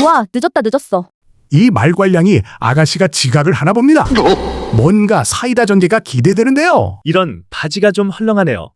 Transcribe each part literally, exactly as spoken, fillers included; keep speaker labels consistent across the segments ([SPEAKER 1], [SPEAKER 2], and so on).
[SPEAKER 1] 좋아, 늦었다 늦었어.
[SPEAKER 2] 이 말괄량이 아가씨가 지각을 하나 봅니다. 뭔가 사이다 전개가 기대되는데요.
[SPEAKER 3] 이런 바지가 좀 헐렁하네요.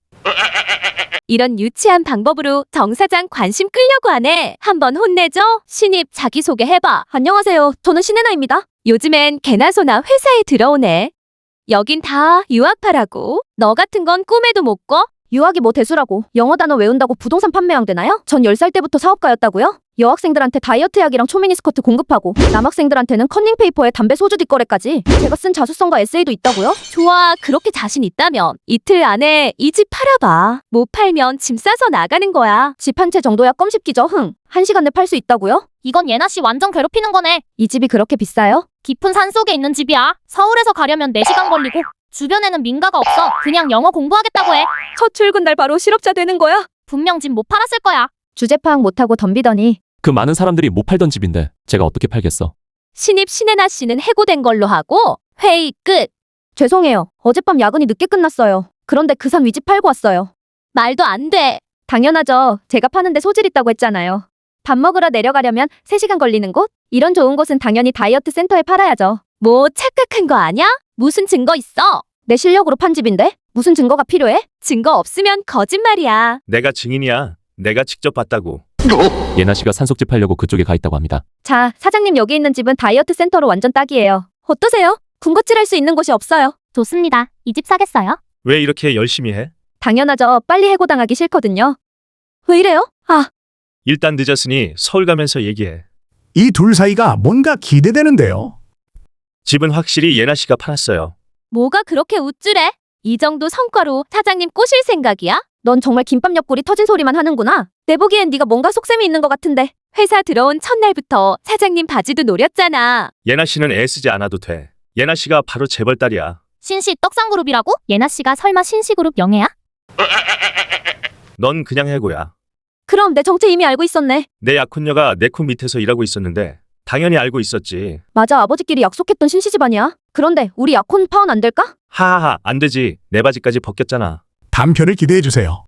[SPEAKER 4] 이런 유치한 방법으로 정 사장 관심 끌려고 하네. 한번 혼내줘. 신입 자기소개 해봐.
[SPEAKER 1] 안녕하세요. 저는 신혜나입니다.
[SPEAKER 4] 요즘엔 개나 소나 회사에 들어오네. 여긴 다 유학파라고. 너 같은 건 꿈에도 못 꿔?
[SPEAKER 1] 유학이 뭐 대수라고. 영어 단어 외운다고 부동산 판매왕 되나요? 전 열 살 때부터 사업가였다고요? 여학생들한테 다이어트 약이랑 초미니스커트 공급하고 남학생들한테는 커닝페이퍼에 담배 소주 뒷거래까지. 제가 쓴 자수성과 에세이도 있다고요?
[SPEAKER 4] 좋아, 그렇게 자신 있다면 이틀 안에 이 집 팔아봐. 못 팔면 짐 싸서 나가는 거야.
[SPEAKER 1] 집 한 채 정도야 껌씹기죠. 흥. 한 시간 내 팔 수 있다고요?
[SPEAKER 5] 이건 예나 씨 완전 괴롭히는 거네.
[SPEAKER 1] 이 집이 그렇게 비싸요?
[SPEAKER 5] 깊은 산속에 있는 집이야. 서울에서 가려면 네 시간 걸리고 주변에는 민가가 없어. 그냥 영어 공부하겠다고 해.
[SPEAKER 1] 첫 출근 날 바로 실업자 되는 거야?
[SPEAKER 5] 분명 집 못 팔았을 거야.
[SPEAKER 1] 주제 파악 못하고 덤비더니
[SPEAKER 6] 그 많은 사람들이 못 팔던 집인데 제가 어떻게 팔겠어?
[SPEAKER 4] 신입 신혜나 씨는 해고된 걸로 하고 회의 끝.
[SPEAKER 1] 죄송해요. 어젯밤 야근이 늦게 끝났어요. 그런데 그 산 위집 팔고 왔어요.
[SPEAKER 4] 말도 안 돼.
[SPEAKER 1] 당연하죠. 제가 파는데 소질 있다고 했잖아요. 밥 먹으러 내려가려면 세 시간 걸리는 곳? 이런 좋은 곳은 당연히 다이어트 센터에 팔아야죠.
[SPEAKER 4] 뭐 착각한 거 아냐? 무슨 증거 있어?
[SPEAKER 1] 내 실력으로 판 집인데? 무슨 증거가 필요해?
[SPEAKER 4] 증거 없으면 거짓말이야.
[SPEAKER 3] 내가 증인이야. 내가 직접 봤다고.
[SPEAKER 6] 예나 씨가 산속집 하려고 그쪽에 가 있다고 합니다.
[SPEAKER 1] 자, 사장님 여기 있는 집은 다이어트 센터로 완전 딱이에요. 어떠세요? 군것질할 수 있는 곳이 없어요.
[SPEAKER 5] 좋습니다. 이 집 사겠어요?
[SPEAKER 3] 왜 이렇게 열심히 해?
[SPEAKER 1] 당연하죠. 빨리 해고당하기 싫거든요. 왜 이래요? 아,
[SPEAKER 3] 일단 늦었으니 서울 가면서 얘기해.
[SPEAKER 2] 이 둘 사이가 뭔가 기대되는데요.
[SPEAKER 3] 집은 확실히 예나 씨가 팔았어요.
[SPEAKER 4] 뭐가 그렇게 우쭐해? 이 정도 성과로 사장님 꼬실 생각이야?
[SPEAKER 1] 넌 정말 김밥 옆구리 터진 소리만 하는구나. 내 보기엔 네가 뭔가 속셈이 있는 것 같은데.
[SPEAKER 4] 회사 들어온 첫날부터 사장님 바지도 노렸잖아.
[SPEAKER 3] 예나 씨는 애쓰지 않아도 돼. 예나 씨가 바로 재벌 딸이야.
[SPEAKER 5] 신씨 떡상그룹이라고? 예나 씨가 설마 신씨그룹 영예야?
[SPEAKER 3] 넌 그냥 해고야.
[SPEAKER 1] 그럼 내 정체 이미 알고 있었네.
[SPEAKER 3] 내 약혼녀가 내 코 밑에서 일하고 있었는데 당연히 알고 있었지.
[SPEAKER 1] 맞아, 아버지끼리 약속했던 신씨 집안이야. 그런데 우리 약혼 파혼 안 될까?
[SPEAKER 3] 하하하, 안 되지. 내 바지까지 벗겼잖아.
[SPEAKER 2] 단편을 기대해주세요.